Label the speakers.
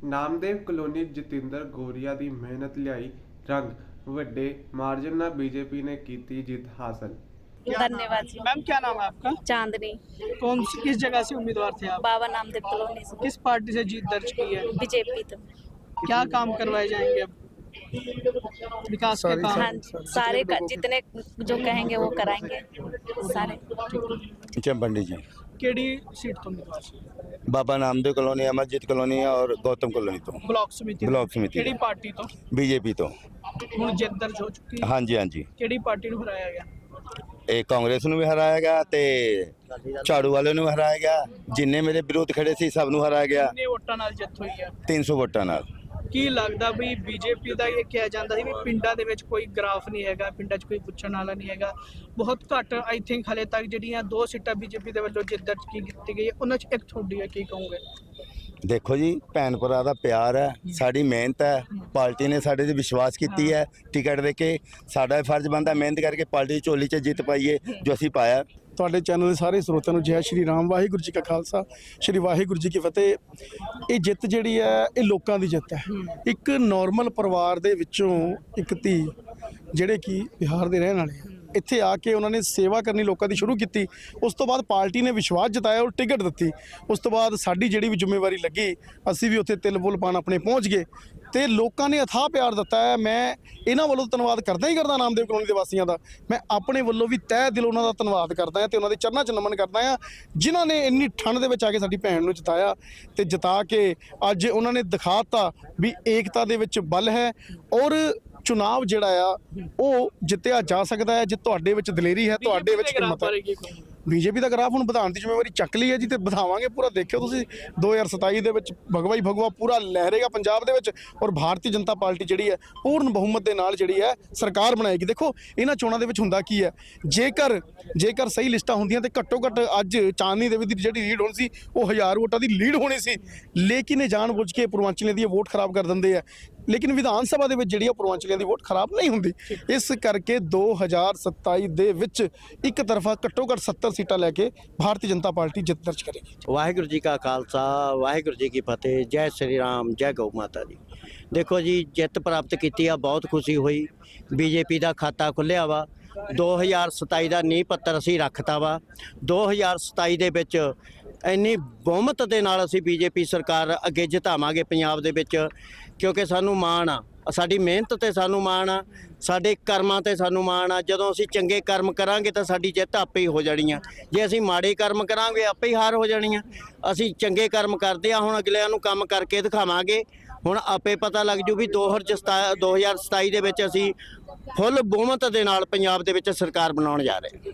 Speaker 1: Namdev colony Jatinder Goria ਦੀ ਮਿਹਨਤ ਲਿਆਈ रंग ਵੱਡੇ मार्जिन ਨਾਲ बीजेपी ने की जीत हासिल।
Speaker 2: धन्यवाद जी।
Speaker 3: मैम क्या नाम है आपका?
Speaker 2: चांदनी।
Speaker 3: किस जगह से उम्मीदवार थे आप?
Speaker 2: बाबा नामदेव कॉलोनी से।
Speaker 3: किस पार्टी से जीत दर्ज की है?
Speaker 2: बीजेपी तो
Speaker 3: क्या काम करवाए जाएंगे अब? विकास के काम?
Speaker 2: हाँ, सारे जितने जो कहेंगे वो कराएंगे सारे।
Speaker 4: चंपंडी जी
Speaker 3: केड़ी सीट तो उम्मीदवार से?
Speaker 4: बाबा नामदेव कॉलोनी, अमरजीत कॉलोनी और गौतम कॉलोनी तो
Speaker 3: ब्लॉक समिति केड़ी पार्टी तो?
Speaker 4: बीजेपी तो
Speaker 3: ਹੁਣ ਜਿੱਤ ਦਰਜ ਹੋ ਚੁੱਕੀ ਹੈ।
Speaker 4: हाँ जी हाँ जी
Speaker 3: ਕਿਹੜੀ ਪਾਰਟੀ ਨੂੰ ਹਰਾਇਆ ਗਿਆ?
Speaker 4: ਇਹ ਕਾਂਗਰਸ ਨੂੰ ਵੀ ਹਰਾਇਆ ਗਿਆ ਤੇ ਝਾੜੂ ਵਾਲੇ ਨੂੰ ਹਰਾਇਆ ਗਿਆ। ਜਿੰਨੇ ਮੇਰੇ ਵਿਰੋਧ ਖੜੇ ਸੀ ਸਭ ਨੂੰ ਹਰਾਇਆ ਗਿਆ।
Speaker 3: ਕਿੰਨੇ ਵੋਟਾਂ ਨਾਲ ਜਿੱਤ ਹੋਈ ਹੈ?
Speaker 4: 300 ਵੋਟਾਂ ਨਾਲ।
Speaker 3: ਕੀ ਲੱਗਦਾ ਵੀ ਬੀਜੇਪੀ ਦਾ ਇਹ ਕਿਹਾ ਜਾਂਦਾ ਸੀ ਵੀ ਪਿੰਡਾਂ ਦੇ ਵਿੱਚ ਕੋਈ ਗ੍ਰਾਫ ਨਹੀਂ ਹੈਗਾ, ਪਿੰਡਾਂ 'ਚ ਕੋਈ ਪੁੱਛਣ ਵਾਲਾ ਨਹੀਂ ਹੈਗਾ, ਬਹੁਤ ਘੱਟ ਆਈ ਥਿੰਕ ਹਲੇ ਤੱਕ ਜਿਹੜੀਆਂ 2 ਸੀਟਾਂ ਬੀਜੇਪੀ ਦੇ ਵੱਲੋਂ ਜਿੱਤ ਦਰਜ ਕੀਤੀ ਗਈ ਹੈ ਉਹਨਾਂ 'ਚ ਇੱਕ ਤੁਹਾਡੀ ਹੈ, ਕੀ ਕਹੋਗੇ?
Speaker 4: ਦੇਖੋ ਜੀ, ਭੈਣ ਭਰਾ ਦਾ ਪਿਆਰ ਹੈ, ਸਾਡੀ ਮਿਹਨਤ ਹੈ, ਪਾਰਟੀ ਨੇ ਸਾਡੇ ਤੇ ਵਿਸ਼ਵਾਸ ਕੀਤੀ ਹੈ। ਟਿਕਟ ਦੇ ਕੇ ਸਾਡਾ ਫਰਜ਼ ਬਣਦਾ ਮਿਹਨਤ ਕਰਕੇ ਪਾਰਟੀ ਦੀ ਝੋਲੀ 'ਚ ਜਿੱਤ ਪਾਈਏ ਜੋ ਅਸੀਂ ਪਾਇਆ।
Speaker 5: ਤੁਹਾਡੇ ਚੈਨਲ ਦੇ ਸਾਰੇ ਸਰੋਤਿਆਂ ਨੂੰ ਜੈ ਸ਼੍ਰੀ ਰਾਮ, ਵਾਹਿਗੁਰੂ ਜੀ ਕਾ ਖਾਲਸਾ, ਸ਼੍ਰੀ ਵਾਹਿਗੁਰੂ ਜੀ ਕੀ ਫਤਿਹ। ਇਹ ਜਿੱਤ ਜਿਹੜੀ ਹੈ ਇਹ ਲੋਕਾਂ ਦੀ ਜਿੱਤ ਹੈ। ਇੱਕ ਨਾਰਮਲ ਪਰਿਵਾਰ ਦੇ ਵਿੱਚੋਂ ਇੱਕ ਧੀ ਜਿਹੜੇ ਕਿ ਬਿਹਾਰ ਦੇ ਰਹਿਣ ਵਾਲੇ ਆ, ਇੱਥੇ ਆ ਕੇ ਉਹਨਾਂ ਨੇ ਸੇਵਾ ਕਰਨੀ ਲੋਕਾਂ ਦੀ ਸ਼ੁਰੂ ਕੀਤੀ। ਉਸ ਤੋਂ ਬਾਅਦ ਪਾਰਟੀ ਨੇ ਵਿਸ਼ਵਾਸ ਜਤਾਇਆ ਔਰ ਟਿਕਟ ਦਿੱਤੀ। ਉਸ ਤੋਂ ਬਾਅਦ ਸਾਡੀ ਜਿਹੜੀ ਵੀ ਜ਼ਿੰਮੇਵਾਰੀ ਲੱਗੀ ਅਸੀਂ ਵੀ ਉੱਥੇ ਤਿਲ ਬੁਲ ਪਾਣ ਆਪਣੇ ਪਹੁੰਚ ਗਏ ਤੇ ਲੋਕਾਂ ਨੇ ਅਥਾਹ ਪਿਆਰ ਦਿੱਤਾ ਹੈ। ਮੈਂ ਇਹਨਾਂ ਵੱਲੋਂ ਧੰਨਵਾਦ ਕਰਦਾ ਹੀ ਕਰਦਾ ਨਾਮਦੇਵ ਕਲੋਨੀ ਦੇ ਵਾਸੀਆਂ ਦਾ। ਮੈਂ ਆਪਣੇ ਵੱਲੋਂ ਵੀ ਤਹਿ ਦਿਲੋਂ ਉਹਨਾਂ ਦਾ ਧੰਨਵਾਦ ਕਰਦਾ ਹਾਂ ਤੇ ਉਹਨਾਂ ਦੇ ਚਰਨਾਂ 'ਚ ਨਮਨ ਕਰਦਾ ਹਾਂ ਜਿਨ੍ਹਾਂ ਨੇ ਇੰਨੀ ਠੰਡ ਦੇ ਵਿੱਚ ਆ ਕੇ ਸਾਡੀ ਭੈਣ ਨੂੰ ਜਿਤਾਇਆ ਤੇ ਜਿਤਾ ਕੇ ਅੱਜ ਉਹਨਾਂ ਨੇ ਦਿਖਾਤਾ ਵੀ ਏਕਤਾ ਦੇ ਵਿੱਚ ਬਲ ਹੈ ਔਰ ਚੁਣਾਵ ਜਿਹੜਾ ਆ ਉਹ ਜਿੱਤਿਆ ਜਾ ਸਕਦਾ ਹੈ ਜੇ ਤੁਹਾਡੇ ਵਿੱਚ ਦਲੇਰੀ ਹੈ, ਤੁਹਾਡੇ ਵਿੱਚ ਹਿੰਮਤ ਹੈ। ਬੀਜੇਪੀ ਦਾ ਗ੍ਰਾਫ ਹੁਣ ਵਧਾਉਣ ਦੀ ਜ਼ਿੰਮੇਵਾਰੀ ਚੱਕ ਲਈ ਹੈ ਜੀ ਤੇ ਵਧਾਵਾਂਗੇ ਪੂਰਾ। ਦੇਖਿਓ ਤੁਸੀਂ 2027 ਦੇ ਵਿੱਚ ਭਗਵਾ ਹੀ ਭਗਵਾ ਪੂਰਾ ਲਹਿਰੇਗਾ ਪੰਜਾਬ ਦੇ ਵਿੱਚ ਔਰ ਭਾਰਤੀ ਜਨਤਾ ਪਾਰਟੀ ਜਿਹੜੀ ਹੈ ਪੂਰਨ ਬਹੁਮਤ ਦੇ ਨਾਲ ਜਿਹੜੀ ਹੈ ਸਰਕਾਰ ਬਣਾਏਗੀ। ਦੇਖੋ ਇਹਨਾਂ ਚੋਣਾਂ ਦੇ ਵਿੱਚ ਹੁੰਦਾ ਕੀ ਹੈ, ਜੇਕਰ ਸਹੀ ਲਿਸਟਾਂ ਹੁੰਦੀਆਂ ਤੇ ਘੱਟੋ ਘੱਟ ਅੱਜ ਚਾਂਦਨੀ ਦੇਵੀ ਦੀ ਜਿਹੜੀ ਲੀਡ ਹੋਣੀ ਸੀ ਉਹ 1000 ਵੋਟਾਂ ਦੀ ਲੀਡ ਹੋਣੀ ਸੀ। ਲੇਕਿਨ ਇਹ ਜਾਣਬੁੱਝ ਕੇ ਪੂਰਵਾਂਚਲੀਆਂ ਦੀ ਵੋਟ ਖਰਾਬ ਕਰ ਦਿੰਦੇ ਆ। ਲੇਕਿਨ ਵਿਧਾਨ ਸਭਾ ਦੇ ਵਿੱਚ ਜਿਹੜੀ ਪੂਰਵਾਂਚਲੀਆਂ ਦੀ ਵੋਟ ਖਰਾਬ ਨਹੀਂ ਹੁੰਦੀ। ਇਸ ਕਰਕੇ 2027 ਦੇ ਵਿੱਚ ਇੱਕ ਤਰਫਾ ਘੱਟੋ ਘੱਟ 70 ਸੀਟਾਂ ਲੈ ਕੇ ਭਾਰਤੀ ਜਨਤਾ ਪਾਰਟੀ ਜਿੱਤ ਦਰਜ ਕਰੇਗੀ।
Speaker 6: ਵਾਹਿਗੁਰੂ ਜੀ ਕਾ ਖਾਲਸਾ, ਵਾਹਿਗੁਰੂ ਜੀ ਕੀ ਫਤਿਹ। ਜੈ ਸ਼੍ਰੀ ਰਾਮ, ਜੈ ਗਊ ਮਾਤਾ ਦੀ। ਦੇਖੋ ਜੀ, ਜਿੱਤ ਪ੍ਰਾਪਤ ਕੀਤੀ ਆ, ਬਹੁਤ ਖੁਸ਼ੀ ਹੋਈ। ਬੀਜੇਪੀ ਦਾ ਖਾਤਾ ਖੁੱਲ੍ਹਿਆ ਵਾ। 2027 ਦਾ ਨੀਂਹ ਪੱਤਰ ਅਸੀਂ ਰੱਖਤਾ ਵਾ। 2027 ਦੇ ਵਿੱਚ ਇੰਨੀ ਬਹੁਮਤ ਦੇ ਨਾਲ ਅਸੀਂ ਬੀਜੇਪੀ ਸਰਕਾਰ ਅੱਗੇ ਜਿਤਾਵਾਂਗੇ ਪੰਜਾਬ ਦੇ ਵਿੱਚ, ਕਿਉਂਕਿ ਸਾਨੂੰ ਮਾਣ ਆ, ਸਾਡੀ ਮਿਹਨਤ ਤੇ ਸਾਨੂੰ ਮਾਣ ਆ, ਸਾਡੇ ਕਰਮਾਂ ਤੇ ਸਾਨੂੰ ਮਾਣ ਆ। ਜਦੋਂ ਅਸੀਂ ਚੰਗੇ ਕਰਮ ਕਰਾਂਗੇ ਤਾਂ ਸਾਡੀ ਜਿੱਤ ਆਪੇ ਹੀ ਹੋ ਜਾਣੀ ਆ। ਜੇ ਅਸੀਂ ਮਾੜੇ ਕਰਮ ਕਰਾਂਗੇ ਆਪੇ ਹੀ ਹਾਰ ਹੋ ਜਾਣੀ ਆ। ਅਸੀਂ ਚੰਗੇ ਕਰਮ ਕਰਦੇ ਆ, ਹੁਣ ਅਗਲਿਆਂ ਨੂੰ ਕੰਮ ਕਰਕੇ ਦਿਖਾਵਾਂਗੇ। ਹੁਣ ਆਪੇ ਪਤਾ ਲੱਗ ਜੂ ਵੀ 2027 ਦੇ ਵਿੱਚ ਅਸੀਂ ਫੁੱਲ ਬਹੁਮਤ ਦੇ ਨਾਲ ਪੰਜਾਬ ਦੇ ਵਿੱਚ ਸਰਕਾਰ ਬਣਾਉਣ ਜਾ ਰਹੇ।